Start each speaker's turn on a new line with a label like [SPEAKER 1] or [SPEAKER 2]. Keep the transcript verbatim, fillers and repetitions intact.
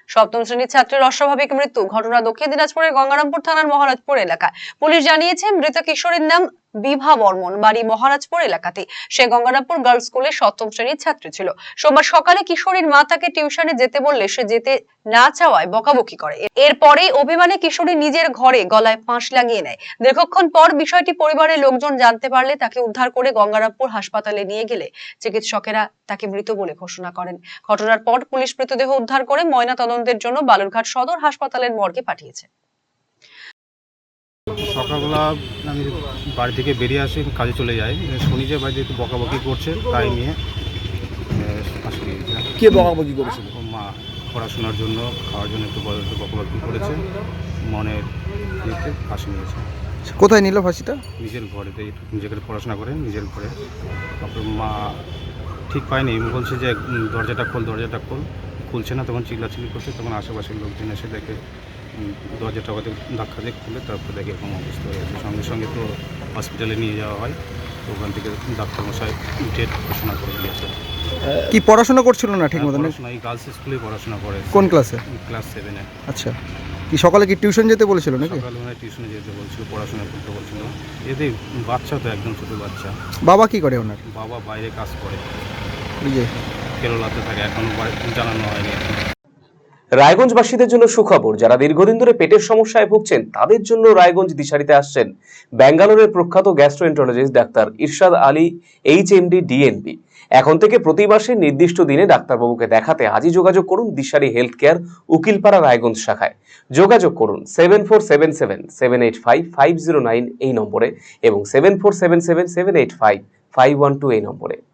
[SPEAKER 1] সপ্তম শ্রেণীর ছাত্রের অস্বাভাবিক মৃত্যু ঘটনা দক্ষিণ দিনাজপুরের গঙ্গারামপুর থানার মহারাজপুর এলাকায়। পুলিশ জানিয়েছে মৃত কিশোরীর নাম বিভা বর্মন, বাড়ি মহারাজপুর এলাকাতে। সে গঙ্গারামপুর গার্লস স্কুলের সপ্তম শ্রেণীর ছাত্রী ছিল। সোমবার সকালে কিশোরীর মা তাকে টিউশনে যেতে বললে সে যেতে না চাওয়ায় বকাবকি করে। এরপরে অভিমানে কিশোরী নিজের ঘরে গলায় ফাঁস লাগিয়ে নেয়। দীর্ঘক্ষণ পর বিষয়টি পরিবারের লোকজন জানতে পারলে তাকে উদ্ধার করে গঙ্গারামপুর হাসপাতালে নিয়ে গেলে চিকিৎসকেরা তাকে মৃত বলে ঘোষণা করেন। ঘটনার পর পুলিশ মৃতদেহ উদ্ধার করে ময়না তদন্তের জন্য বালুরঘাট সদর হাসপাতালের মর্গে পাঠিয়েছে।
[SPEAKER 2] সকালবেলা আমি বাড়ি থেকে বেরিয়ে আসি, কাজে চলে যাই, শুনি যে বাড়িতে একটু বকাবকি করছে, তাই নিয়ে আসি।
[SPEAKER 3] কে বকাবকি করেছিল?
[SPEAKER 2] মা পড়াশোনার জন্য, খাওয়ার জন্য একটু একটু বকাবকি করেছে, মনের ইয়েতে ফাঁসি নিয়েছে।
[SPEAKER 3] কোথায় নিল ফাঁসিটা?
[SPEAKER 2] নিজের ঘরেতে, যেখানে পড়াশোনা করে নিজের ঘরে। তারপর মা ঠিক পায়নি, বলছে যে দরজাটা খোল দরজাটা খোল খুলছে না, তখন চিল্লাচিল্লি করছে। তখন আশেপাশের লোকজন এসে দেখে দরজাটা ওদের ধাক্কা দিয়ে খুলে তারপর দেখে এরকম অবস্থা হয়ে গেছে। সঙ্গে সঙ্গে তো হসপিটালে নিয়ে যাওয়া হয়, তো ওখান থেকে ডাক্তারমশাই ডেট ঘোষণা করে দিয়েছে।
[SPEAKER 3] কি পড়াশোনা করছিল না ঠিক মতো?
[SPEAKER 2] পড়াশোনা এই গার্লস স্কুলে পড়াশোনা করে।
[SPEAKER 3] কোন ক্লাসে?
[SPEAKER 2] ক্লাস সেভেনে।
[SPEAKER 3] আচ্ছা, কি সকালে কি টিউশন যেতে বলেছিল নাকি?
[SPEAKER 2] সকালে মানে টিউশনে যেতে বলছিল, পড়াশোনা করতে বলছিল। এতে বাচ্চা তো একদম ছোটো বাচ্চা।
[SPEAKER 3] বাবা কি করে ওনার?
[SPEAKER 2] বাবা বাইরে কাজ করে,
[SPEAKER 3] ওই যে
[SPEAKER 2] কেরলাতে থাকে, এখনো জানানো হয়নি।
[SPEAKER 4] রায়গঞ্জবাসীদের জন্য সুখবর, যারা দীর্ঘদিন ধরে পেটের সমস্যায় ভুগছেন তাদের জন্য রায়গঞ্জ দিশারিতে আসছেন ব্যাঙ্গালোরের প্রখ্যাত গ্যাস্ট্রোএন্টারোলজিস্ট ডাক্তার ইরশাদ আলী, এইচএমডি, ডিএনবি। এখন থেকে প্রতি মাসে নির্দিষ্ট দিনে ডাক্তারবাবুকে দেখাতে আজই যোগাযোগ করুন দিশারি হেলথ কেয়ার, উকিলপাড়া, রায়গঞ্জ শাখায়। যোগাযোগ করুন seven four seven seven seven eight five five zero nine এই নম্বরে এবং seven four seven seven seven eight five five one two এই নম্বরে।